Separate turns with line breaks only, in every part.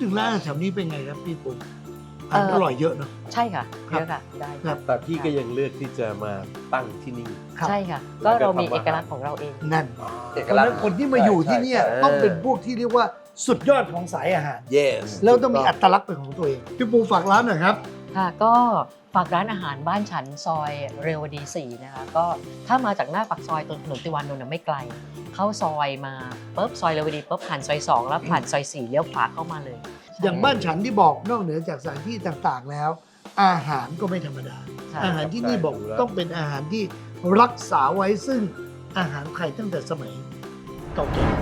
ถึงร้านอาหารแถวนี้เป็นไงครับพี่ปุ๊อาหารอร่อยเยอะเนาะ
ใช่ค่ะ
ครับ
เยอะค่ะได้
ครั
ค่ะ
บ
แต่พี่ก็ยังเลือกที่จะมาตั้งที่นี่
ครับ
ใช่ค่ะ ก็เรามีเอกลักษณ์ของเราเอง
นั่น
เอก
เพราะฉะ
ลัก
นั้น
ษณ์
คนที่มาอยู่ที่เนี่ย
ใช่
ต้องเป็นพวกที่เรียกว่าสุดยอดของสายอาหาร
yes
แล้วต้องมีอัตลักษณ์เป็นของตัวเองพี่ปูฝากร้านหน่อยครับ
ค่ะก็ฝากร้านอาหารบ้านฉันซอยเรวดี 4 นะคะก็ถ้ามาจากหน้าปากซอยตรงถนนติวานนท์ไม่ไกล เข้าซอยมาปุ๊บซอยเรวดีปุ๊บผ่านซอย 2 แล้วผ่านซอย 4 เลี้ยวขวาเข้ามาเลย
อย่างบ้านฉันที่บอกนอกเหนือจากสถานที่ต่างๆแล้ว อาหารก็ไม่ธรรมดา
ใช่
อาหารที่นี่บอก
ดูแล้ว
ต้องเป็นอาหารที่รักษาไว้ซึ่งอาหารไทยตั้งแต่สมัยเก่าแก่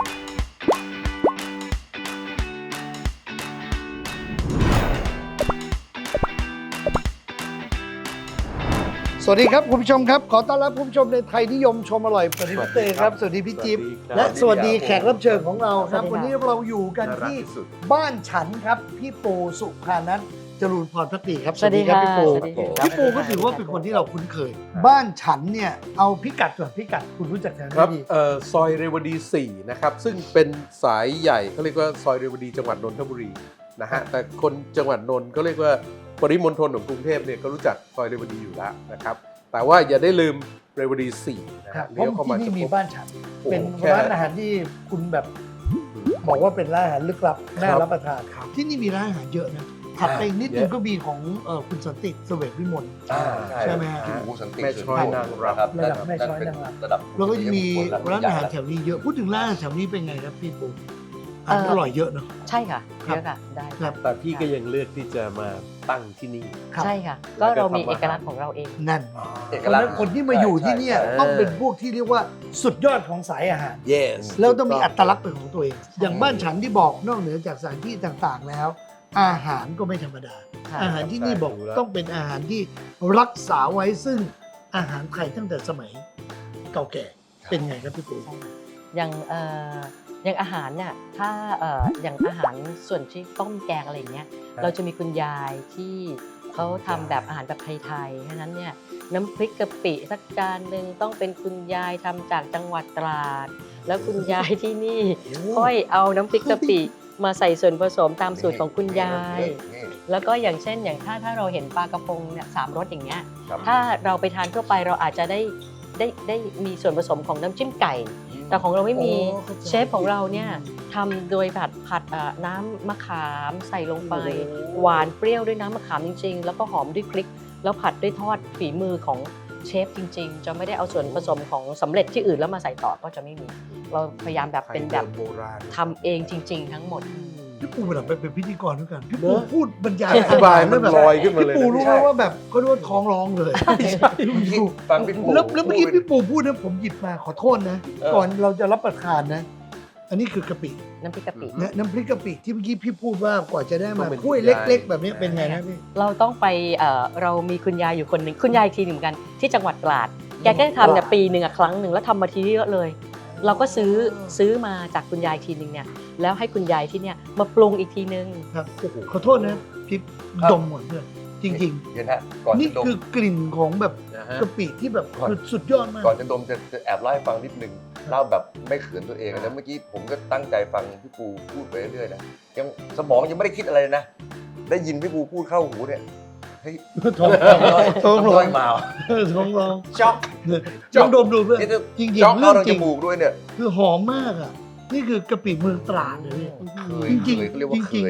สวัสดีครับคุณผู้ชมครับ ขอต้อนรับคุณผู้ชมในไทยนิยมชมอร่อยสวัสดีพี่เต้ครับสวัสดีพี่จิ๊บ และสวัสดีแขกรับเชิญของเราครับ วันนี้เราอยู่กันที่ บ้านฉันครับพี่ปูสุภานัทจรูนพรพักดีครับ
สวัสดีค่ะ
พี่ปู
สวัสดีค่ะ
พี่ปูก็ถือว่าเป็นคนที่เราคุ้นเคย บ้านฉันเนี่ยเอาพิกัดก่อนพิกัดคุณรู้จักแถว
ครั
นี้
บ
ดี
ซอยเรวดี 4 นะครับ ซึ่งเป็นสายใหญ่เขาเรียกว่าซอยเรวดีจังหวัดนนทบุรีนะฮะ แต่คนจังหวัดนนท์ก็เรียกว่าปริมณฑลของกรุงเทพเนี่ยก็รู้จักซอยเรวดีอยู่แล้วนะครับ แต่ว่าอย่าได้ลืมเรวดี 4 นะ
ครั
ฮะ
บเพ
เลี้ยว
ราะ
เข้ามา
ที่นี่มี
จะพบ
บ้านฉัน
โอ้โห
เป็น
แค่
ร้านอาหารที่คุณแบบบอกว่าเป็นร้านอาหารลึกลับน่ารับประทานที่นี่มีร้านอาหารเยอะนะถัดไปนิดนึงก็มีของคุณสันติเสวตวิมล ใช่ไหมฮะ
พี่หมูสันติ
แม่ช้อยนางรำ
ครับ
ระดับแม่ช้อยนางรำ
ระดับ
แล้วก็จะมีร้านอาหารแถวนี้เยอะพูดถึงร้านอาหารแถวนี้เป็นไงครับพี่ปูอาหารอร่อยเยอะเนาะ
ใช่ค่ะ
ครับ
เยอะค่ะได้
ครับ
แต่พี่ก็ยังเลือกที่จะมาตั้งที่นี่
ครับ
ใช่ค่ะ ก็เรามีเอกลักษณ์ของเราเอง
นั่น
เอก
เพราะ
ลั
ฉะ
กษ
นั้น
ณ์
คนที่มาอยู่ที่เนี่ย
ใช่
ต้องเป็นพวกที่เรียกว่าสุดยอดของสายอาหาร
yes
แล้วต้องมีอัตลักษณ์เป็นของตัวเอง อย่างบ้านฉันที่บอกนอกเหนือจากสถานที่ต่างๆแล้ว อาหารก็ไม่ธรรมดา
ค่ะ
อาหารที่นี่บอก
ดูแล้ว
ต้องเป็นอาหารที่รักษาไว้ซึ่งอาหารไทยตั้งแต่สมัยเก่าแก่เป็นไงครับพี่ปู
ใช่ค่ะอย่างอาหารเนี่ยถ้าอย่างอาหารส่วนที่ต้มแกงอะไรอย่างเงี้ยเราจะมีคุณยายที่เขาทำแบบอาหารแบบไทยๆฉะนั้นเนี่ยน้ำพริกกะปิสักจานหนึ่งต้องเป็นคุณยายทำจากจังหวัดตราด แล้วคุณยายที่นี่ค่อยเอาน้ำพริกกะปิมาใส่ส่วนผสมตามสูตรของคุณยาย
นี่
แล้วก็อย่างเช่นอย่างถ้าเราเห็นปลากระพงเนี่ย3 รสอย่างเงี้ย
ครับ
ถ้าเราไปทานทั่วไปเราอาจจะได้มีส่วนผสมของน้ำจิ้มไก่ แต่ของเราไม่มี
โอ้เข้าใจ
เชฟของเราเนี่ยทำโดยผัดน้ำมะขามใส่ลงไป
โอ้
หวานเปรี้ยวด้วยน้ำมะขามจริงๆ แล้วก็หอมด้วยพริก แล้วผัดด้วยทอดฝีมือของเชฟจริง ๆ จะไม่ได้เอาส่วนผสมของสำเร็จที่อื่นแล้วมาใส่ต่อก็จะไม่มี เราพยายามแบบเป็นแบบ
โบราณ
ทำเองจริง ๆ ทั้งหมด
พี่ปูแบบเป็นพิธีกรด้วยกันพี่ปู
เนอะ
พูดบรรยาย
อธิบายมัน
แบบ
ลอยขึ้นมาเลย
พี่ปูรู้ไหมว่าแบบเขาเรียกว่าท้องร้องเลย
ฟังพี่ปู
แล้วเมื่อกี้พี่ปูพูดนะผมหยิบมาขอโทษนะ ก่อนเราจะรับประทานนะ อันนี้คือกะปิ
น้ำพริกกะปิ
นะน้ำพริกกะปิที่เมื่อกี้พี่พูดว่ากว่าจะได้มา
ต้องเป็น
ถ้วย
คุณยาย
เล็ก ๆ แบบนี้เป็นไงนะพี่
เราต้องไปเรามีคุณยายอยู่คนหนึ่งคุณยายอีกทีหนึ่งเหมือนกันที่จังหวัดตราด แกก็จะทำเนี่ยปีหนึ่งครั้งหนึ่งแล้วทำมาทีเยอะเลย เราก็ซื้อมาจากคุณยายทีหนึ่งเนี่ยแล้วให้คุณยายที่เนี่ยมาปรุงอีกทีนึง
ครับโอ้โหขอโทษนะพี่ดมหมดเลยจริง
เดี๋ยวนะก่อน
ๆ นี่
จะดม
คือกลิ่นของแบบ
นะฮะ
กะปิที่แบบ
ก่อน
คือสุดยอดมาก
ก่อนจะดมจะแอบเล่าให้ฟังนิดนึงเล่าแบบไม่เขินตัวเองนะเมื่อกี้ผมก็ตั้งใจฟังพี่ปูพูดไปเรื่อยๆนะยังสมองยังไม่ได้คิดอะไรเลยนะ ได้ยินพี่ปูพูดเข้าหูเนี่ยเฮ้ย
ท้อง ท้องร้
ร้
อ
อง ยมาว่ะ
ท้องร้อง
ช็อก
ลองดมดูเพื่อน
นี่จะ
จริง
ช็อก
ๆ
เข้า
เรื่อง
ทาง
จ
จ
ริง
มูกด้วยเนี่ย
คือหอมมากอ่ะนี่คือกะปิเมืองตราดเลยเนี่ย
เคย
จริงๆ
เคยเรียกว่าเค
จริง
ย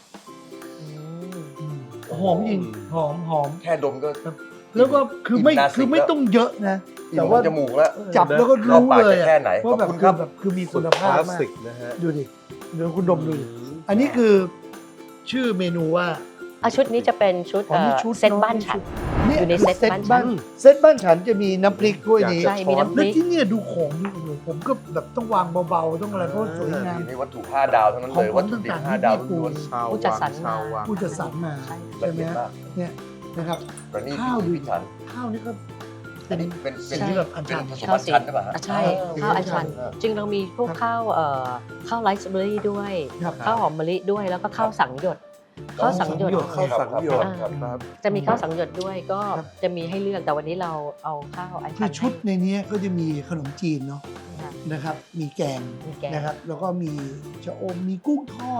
หอมจริงหอม
แค่ดมก็
แล้วก็คือไม่
อิ่มนาสิก
คือไม่ต้องเยอะนะ
อิ่
แต่
ม
ว่า
จมูกแล้ว
จับแล้วก็
เข้า
รู้
ปาก
เลย
จะ
อะ
แค่ไหนข
ว่า
อบ
แบบ
คุณ
คื
ครั
อบ แบบคือมี
สุ
คุ
ด
ณ
ค
ภาพ
ลาส
มาก
สิกนะฮะ
ดูดิเดี๋ยวคุณดมดูดิอันนี้คือชื่อเมนูว่า
ชุดนี้จะเป็นชุด
อ๋อนี่ชุด
เซตบ้านฉัน
เนี่ย
อยู่ใน
คือ
เซตบ้านฉัน
เซตบ้านฉันจะมีน้ำพริกถ้วยนี้
ใช่มีน้ำพ
แล้ว
ริก
ที่เนี่ยดูของนี่โอ้โหผมก็แบบต้องวางเบาๆต้องอะไรเพราะว่าสวยงาม
นี่วัตถุ5 ดาวทั้งนั้นเลย
ของ
วัตถุดิบ
ต่างๆ
5 ดาว
ที่
ล้วน
ชาว
ผู้จัดสรร
ชาววัง
ผู้จัดสรรมา
ใช่
ๆ
ใช่
ละ
ไหม
เอียด
ฮะ
มาก
เนี่ยนะครับ
แต่นี่
ข้าวดู
พิถัน
ข้าวนี่ก็
อั
เป็น น
นี้เป็น
สิ่งที่แบบอัญชัน
ผสมอัญชันหรือเปล่าฮะ
ใช่ข้าวอัญชัน จึงเรามีพวกข้าวข้าวไรซ์เบอร์รี่ด้วย
ครับ
ข้าวหอมมะลิด้วยแล้วก็ข้าวสังหยดข้าวสังหยด
ข้าวสังหยด
ครับ
ครับ
จะมีข้าวสังหยดด้วยก็
ครับ
จะมีให้เลือกแต่วันนี้เราเอาข้าวอัญ
คื
ชั
อน ชุดในนี้ก็จะมีขนมจีนเนาะ
ค่ะ
นะครับ มีแกง
มีแกง
นะครับ แล้วก็มีชะอมมีกุ้งทอด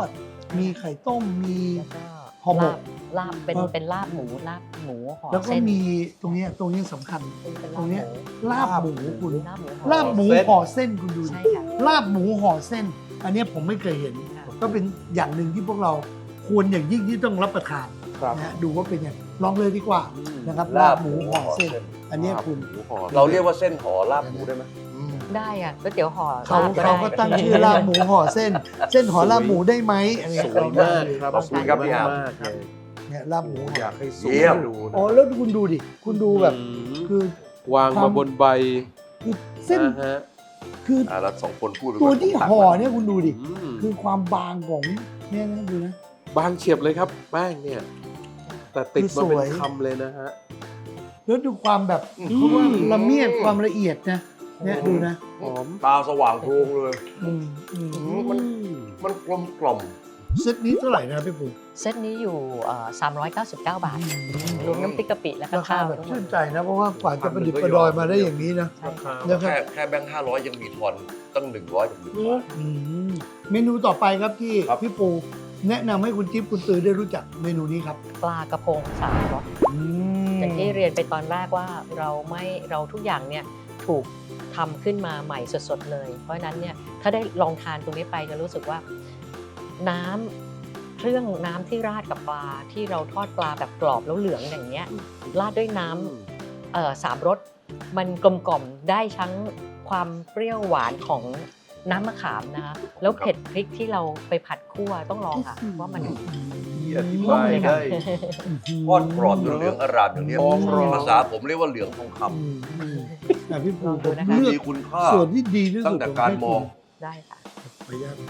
มีไข่ต้มมี
แล้วก็
ห่อหมก
ลาบเป็นลาบหมูห่อ
แล้วก็
เส้น
มีตรงเนี้ยสำคัญ
เป็น
ตรงเนี้ย
ลาบ
ลาบหมูคุณ
ลาบหมู
ลาบหมู
เส้น
ห่อเส้นคุณดูดิ
ใช่ค่ะ
ลาบหมูห่อเส้น อันเนี้ยผมไม่เคยเห็น
ค่ะ
ก็เป็นอย่างหนึ่งที่พวกเราควรอย่างยิ่งที่ต้องรับประทาน
ครับ
นะฮะดูว่าเป็นยังลองเลยดีกว่านะครับลาบหมูห่อเส้น อันเนี้ยคุณ
หมูห่อ
เราเรียกว่าเส้นห่อลาบหมูได้ไหม
ได้อ่ะก๋วยเตี๋ยวห่อ
เขา
ลบได้
ก็ตั้งชื่อลาบหมูห่อเส้น เส้นห่อลาบหมูได้ไหมอะไร
ส
เงี้ย
วยมากครับ
ขอบคุณครับพี่อาร์ม
มากเลย
เนี่ยลาบหมูห่
อ
อย
ากให้ซูม
เยี่ยม
ดูนะ
อ๋อแล้วคุณดูดิคุณดูแบบ
ม
คือ
วางมาบนใบ
คือเส้น
ฮะ
คือ
เราสองคนพูดไป
ตัว
ก่อน
ที่ห่อเนี่ยคุณดูดิ
ม
คือความบางของเนี่ยนะดูนะ
บางเฉียบเลยครับแป้งเนี่ย แต่ติดมาเป็
คือส
น
วย
คำเลยนะฮะ
แล้วดูความแบบเพราะว่าละเมียดความละเอียดนะเนี่ยดูนะ
หอม
ตาสว่างโพลงเลย
อืม
มันกลมกล่อม
เซตนี้เท่าไหร่นะพี่ปุ๋ย
เซตนี้อยู่399 บาท รวมน้ำพริกกะปิและก็
ราคา
ข้าว
แบบ
ทั้งหม
ชื่
ด
นใจนะเพราะว่ากว่าจะประดิษฐ์ประดอยมาได้อย่างนี้นะ
ใช่ค่ะ
นะครับ
แค่แบงค์500 ยังมีทอนตั้ง100กับ1บาท
อืมเมนูต่อไปครับที่
ครับ
พี่ปูแนะนำให้คุณจิ๊บคุณตือได้รู้จักเมนูนี้ครับ
ปลากระพงสามรสอย่างที่เรียนไปตอนแรกว่าเราทุกอย่างเนี่ยถูกทำขึ้นมาใหม่สดๆเลย เพราะฉะนั้นเนี่ยถ้าได้ลองทานตรงนี้ไปจะรู้สึกว่าเครื่องน้ำที่ราดกับปลาที่เราทอดปลาแบบกรอบแล้วเหลืองอย่างเงี้ยราดด้วยน้ำสามรสมันกลมกล่อมได้ทั้งความเปรี้ยวหวานของน้ำมะขามนะคะแล้วเผ็ดพริกที่เราไปผัดคั่วต้องลองค่ะว่ามัน
ที่อธิบายได้
ทอดกรอบจนเหลืองอร่ามอย่างนี้
ทองรอ
ภาษาผมเรียกว่าเหลืองทองค
แต่พี่ปู
ลองดู
ผม
นะคะ
ำ
เลือก
มีคุณค่า
ส่วนที่ดีที่สุด
ตั้งแต่การมอง
ได้ค่ะ
ขออนุญาต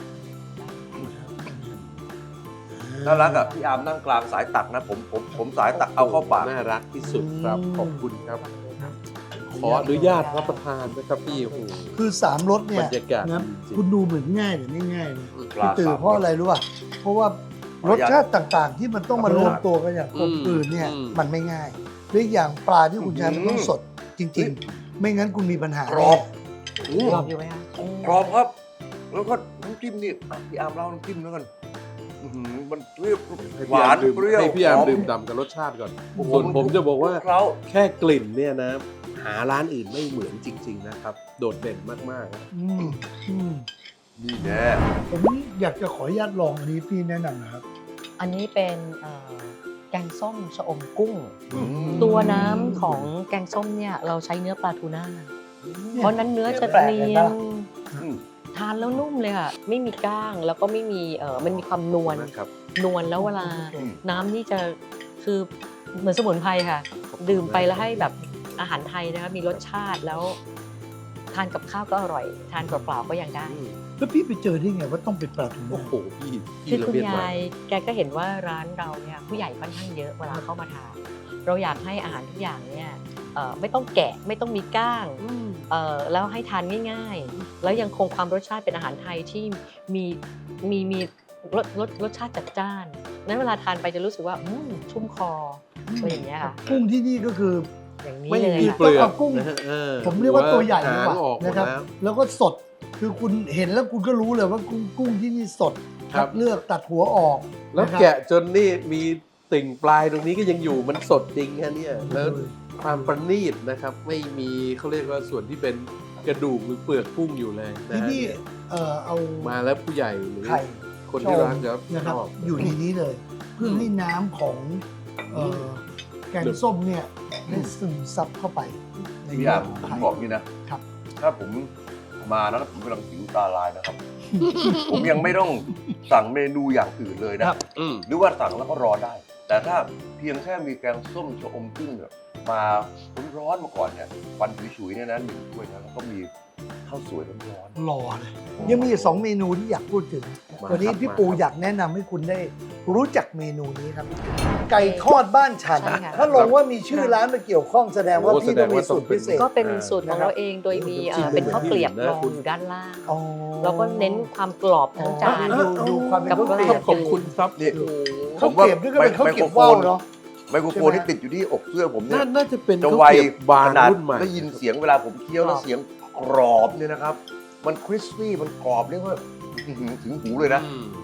น่ารักอ่ะพี่อาร์มนั่งกลางสายตักนะผมสายตักเอาเข้าปาก
น่ารักที่สุดครับขอบคุณครับ ขออนุญาตรับประทานนะครับพี่โอ้โห
คือสามรสเนี่
บร
ย
รยากาศ
นะ
ดีจริง
คุณดูเหมือนง่ายแต่ไม่ง่ายนะ
ปลา
พี่ตือ
สาม
เพราะอะไรรู้ป่ะเพราะว่ารสชาติต่างๆ ที่มันต้องมารวมตัวกันอย่างกลมกลืนเนี่ยมันไม่ง่ายและอีกอย่างปลาที่คุณใช้มันต้องสดจริง ๆ ไม่งั้นคุณมีปัญหาก
รอบ
รอบอยู่ไหมคะ
กรอบครับ แล้วก็น้ำจิ้มนี่อ่ะพี่อาร์มเล่าน้ำจิ้มแล้วกันอื้อหือมันเปรี้ยว
ให้
ห
พี่
วา
อาน ร์มดื่ม
เปรี้ยว
ให้พี่อาร์ม
หอ
ดื่มด่ำกับรสชาติก่อน
โอ้โห
ส่วนผมจะบอกว่า
เคล้า
แค่กลิ่นเนี่ยนะ หาร้านอื่นไม่เหมือนจริง ๆ นะครับ โดดเด่นมากๆ
อืมอืม
นี่แน่
ผมอยากจะขออนุญาตลองอันนี้พี่แนะนำนะครับ
อันนี้เป็นแกงส้มชะอมกุ้ง
อืม
ตัวน้ำของแกงส้มเนี่ยเราใช้เนื้อปลาทูน่า เพราะนั้นเนื้อจะ
แปลก
เนี
เลย
ย
นะ
น
อืม
ทานแล้วนุ่มเลยค่ะ ไม่มีก้างแล้วก็ไม่มีมันมีความนวล
นะครับ
นวลแล้วเวลา
อืม
น้ำนี่จะคือเหมือนสมุนไพรค่ะ ดื่มไปแล้วให้แบบอาหารไทยนะคะมีรสชาติแล้ว ทานกับข้าวก็อร่อย ทานเปล่าๆก็ยังได้
แล้วพี่ไปเจอได้ไงว่าต้องเป็นปลาทู
โอ้
น่า
โหพี่
คือ
ละ
คุณ
เมียดมาย
ายแกก็เห็นว่าร้านเราเนี่ยผู้ใหญ่ค่อนข้างเยอะเวลาเข้ามาทานเราอยากให้อาหารทุกอย่างเนี่ยไม่ต้องแกะไม่ต้องมีก้างแล้วให้ทานง่ายๆ แล้วยังคงความรสชาติเป็นอาหารไทยที่มีรสชาติจัดจ้านนั้นเวลาทานไปจะรู้สึกว่าชุ่มคออะไรอย่างเงี้ยค่ะ
กุ้งที่นี่ก็คือ
อย่างนี้
ไม่
เลย
มี
ค่ะ
เปลือก
ต้องเอากุ้ง
นะฮะ
ผมเรียกว่าตัวใหญ่ดี
หาก
ว่า
งออกหมด
นะครับ
แล้ว
แล้วก็สดคือคุณเห็นแล้วคุณก็รู้เลยว่ากุ้งที่นี่สด
ครั
คั
บ
ดเลือกตัดหัวออก
แล้ว
นะครับ
แกะจนนี่มีติ่งปลายตรงนี้ก็ยังอยู่มันสดจริงฮะเนี่ยแล้วความประณีตนะครับ ไม่มีเขาเรียกว่าส่วนที่เป็นกระดูกหรือเปลือกกุ้งอยู่เลยนะ
ที่
ฮะ
นี่เอา
มาแล้วผู้ใหญ่หรือ
ไข่
คนที่รักจะ
นะครับ
ชอบ
อยู่ในนี้เลย เพื่อให้น้ำของแกงส้มเนี่ยได้ซึมซับเข้าไปใน
พี่
เนื้
อา
อ
ร์ม
ของ
ผม
ไข่
บอกนี่นะครับ ถ้าผมมานะผมกำลังหิวตาลายนะครับ ผมยังไม่ต้องสั่งเมนูอย่างอื่นเลยนะ
อืม
หรือว่าสั่งแล้วก็รอได้ แต่ถ้าเพียงแค่มีแกงส้มชะอมกุ้งเนี่ยมาร้อนๆมาก่อนเนี่ยฟันฉุยๆเนี่ยนะ1 ถ้วยนะแล้วก็มีข้าวสวยร้อน
รอเลยยังมีอีก2เมนูที่อยากพูดถึง
มา
วันนี้
ครับ
พี่ปู
มาครับ
อยากแนะนำให้คุณได้รู้จักเมนูนี้ครับ ไก่ทอดบ้านฉัน
ใช่ค่ะ
ถ้าลงว่ามีชื่อร้านมาเกี่ยวข้องแสดงว่า
โอ้
พี่ต้องมีสูตร
แสดงว่าต้องเป็น
พิเศษ
ก็เป็นสูตรของเราเองโดยมี
โอ้โห
เป็นข้าวเกลียบ
นะ
รอง
คุณ
อยู่ด้านล่าง
อ๋อ
แล้วก็เน้นความกรอบทั้งจาน
ดูความเป็น
กับ
ข้าวเกลียบ
ขอบคุณครับ
นี่
โอ้โห
ข้าวเกลียบนี่ก็เป็นข้าวเกลียบว่าวเนาะ
ๆไมโครโฟนที่ติดอยู่ที่อกเสื้อผมเนี่ย
น่าจะเป็น
จะ
ข้าว
ไว
เกรียบบาง
ขนาด
รุ่นใหม่
ได้ยินเสียงเวลาผมเคี้ยวแล้วเสียงกรอบเนี่ยนะครับ มันคริสปี้มันกรอบเรียกว่าอื้อหือถึงหูเลยนะ
อืม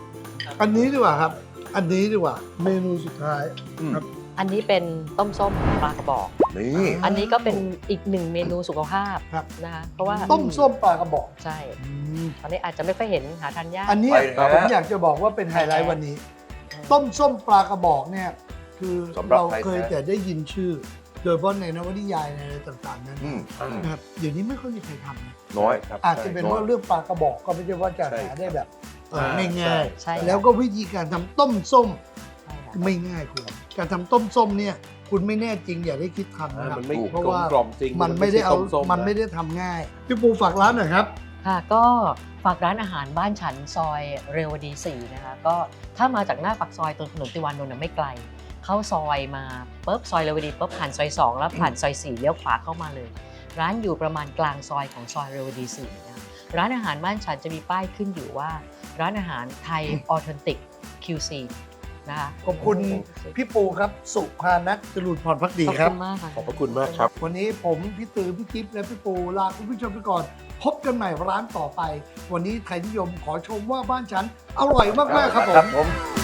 อันนี้ดีกว่าครับ อันนี้ดีกว่า เมนูสุดท้าย ครับ
อันนี้เป็นต้มส้มปลากระบอก
นี่
อันนี้ก็เป็นอีกหนึ่งเมนูสุขภาพ
ครับ
นะคะเพราะว่า
ต้มส้มปลากระบอก
ใช่ตอนนี้อาจจะไม่ค่อยเห็นหาทานยาก
อันเนี้ยผมอยากจะบอกว่าเป็นไฮไลท์วันนี้ ต้มส้มปลากระบอกเนี่ยคือ
สำหรับ
เรา
ไทย
เคย
แท้
แต่ได้ยินชื่อ โดยเฉพาะในนวนิยายในอะไรต่างๆนั้น
อืม
นะครับเดี๋ยวนี้ไม่ค่อยมีใครทำนะ
น้อย
ครับ
อาจจะเป็นว่าเรื่องปลากระบอกก็ไม่ใช่ว่าจะ
ใช่
หาได้แบบ
อ่า
ง่าย
ใช่
ๆแล้วก็วิธีการทำต้มส้ม
ใช่ค่ะ
ไม่ง่ายคุณการทำต้มส้มเนี่ยคุณไม่แน่จริงอย่าได้คิดทำนะครับ
มันไม่
เพราะว่า
กลมๆจริง
มันไม่ได้เอา
ต้ส้
มันไม่ได้ทำง่ายพี่ปูฝากร้านหน่อยครับ
ค่ะก็ฝากร้านอาหารบ้านฉันซอยเรวดี 4 นะคะก็ถ้ามาจากหน้าปากซอยตรงถนนติวานนท์นะไม่ไกล เข้าซอยมาปุ๊บซอยเรวดีปุ๊บผ่านซอย 2 แล้วผ่านซอย 4เลี้ยวขวาเข้ามาเลย ร้านอยู่ประมาณกลางซอยของซอยเรวดี 4 นะคะร้านอาหารบ้านฉันจะมีป้ายขึ้นอยู่ว่า ร้านอาหารไทยออเทนติก QC นะคะ
ขอบคุณพี่ปูครับ สุภานัทจรูญพรพักดี
ขอบ
ครับ
คุณมากค่ะ
ขอบพระคุณมากครับ
วันนี้ผมพี่ตือพี่จิ๊บและพี่ปูลาคุณผู้ชมไปก่อน พบกันใหม่ร้านต่อไป วันนี้ไทยนิยมขอชมว่าบ้านฉันอร่อยมากๆครับผม
ผม